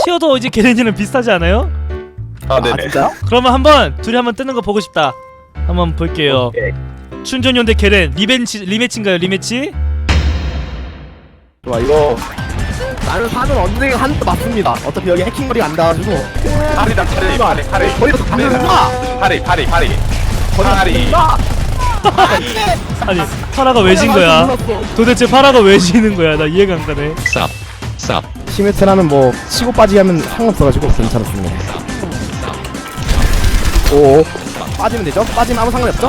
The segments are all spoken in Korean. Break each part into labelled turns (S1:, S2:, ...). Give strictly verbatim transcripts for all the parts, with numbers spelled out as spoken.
S1: 티어도 이제 게렌이랑 비슷하지 않아요?
S2: 아 네네.
S3: 아 진짜요?
S1: 그러면 한번 둘이 한번 뜨는 거 보고 싶다. 한번 볼게요.
S3: 오케이.
S1: 춘전용 대 게렌 리벤치 리매치인가요? 리매치?
S3: 좋아 이거 나는 사는 언젠가 하는 거 맞습니다. 어차피 여기 해킹거리가 안 닿아가지고
S2: 파리다 파리 파리 파리
S3: 거기서 가는구나.
S2: 파리 파리 파리 파리.
S1: 아니 파라가 왜 진 거야? 도대체 파라가 왜 지는 거야? 나 이해가 안 가네.
S2: 쌉 쌉.
S3: 시메트라는 뭐 치고 빠지기 하면 상관없어가지고 괜찮았습니다. 오 빠지면 되죠? 빠지면 아무 상관이 없죠?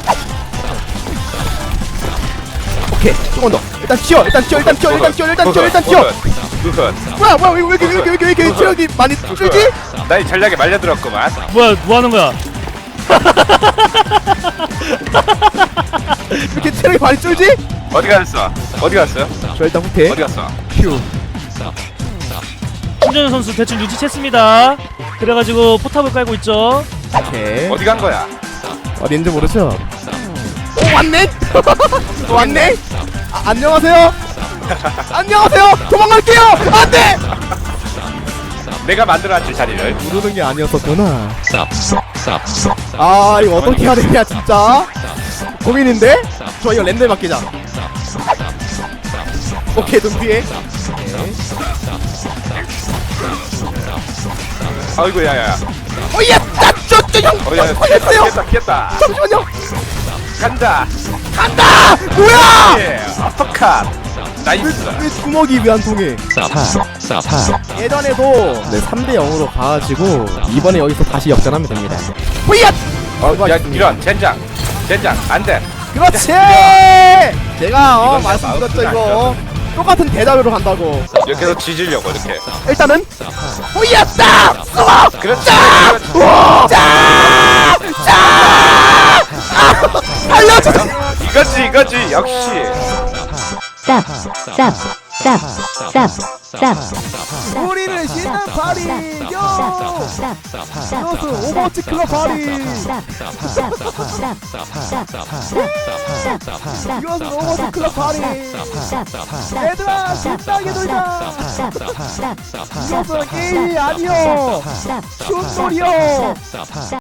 S3: 오케이 조금 더 일단 튀어 일단 튀어 일단 튀어 일단 튀어 일단 튀어 일단 튀어
S2: 우선.
S3: 뭐야 뭐야 왜 이렇게 왜 이렇게 왜 이렇게 왜 이렇게 체력이 많이 줄지?
S2: 나이 전략에 말려들었구만.
S1: 뭐야 뭐 하는 거야?
S3: 왜 이렇게 체력이 많이 줄지?
S2: 어디 갔어? 어디 갔어요?
S3: 저 일단 후퇴
S2: 어디 갔어?
S3: 큐
S1: 춘전 선수 대충 눈치챘습니다. 그래가지고 포탑을 깔고 있죠.
S3: 오케이
S2: 어디 간 거야?
S3: 어디 있는지 모르죠? 오 왔네? 또 왔네? 아, 안녕하세요? 안녕하세요? 도망갈게요! 안돼!
S2: 내가 만들어놨지 자리를.
S3: 모르는 게 아니었었구나
S2: 쌉쌉쌉.
S3: 아 이거 어떻게 해야 되냐 진짜 고민인데? 저 이거 랜덤 맡기자 오케이 눈 뒤에
S2: 아이고 야야.
S3: 어이야! 나저저형
S2: 어야
S3: 걸렸어요!
S2: 깼다 깼다.
S3: 잠시만요
S2: 간다.
S3: 간다! 뭐야!
S2: 예. 어떡한.
S3: 왜,
S2: 나이스.
S3: 왜 구멍이 왜 안 통해
S2: 쌉쌉쌉.
S3: 예전에도 네 삼 대 영으로 가가지고 이번에 여기서 다시 역전하면 됩니다 호이야!
S2: 어, 야 이런 젠장. 젠장 안 돼.
S3: 그렇지! 제가 어
S2: 이건
S3: 말씀드렸죠
S2: 마우스는
S3: 이거 똑같은 대답으로 간다고
S2: 이렇게 해서 지지려고 이렇게.
S3: 일단은 호이야! 딱! 쏘아!
S2: 그렇지.
S3: 우와! 짜! 짜! 아! 알려줘!
S2: 이거지 이거지 역시.
S4: stop, stop, stop, stop, stop.
S3: 우리는 신난 파리! 요! 이것은 오버워치 클럽 파리! 이것은 오버워치 클럽 파리! 얘들아 신나게 놀자! 이것은 게임이 아니여! 춤놀이여!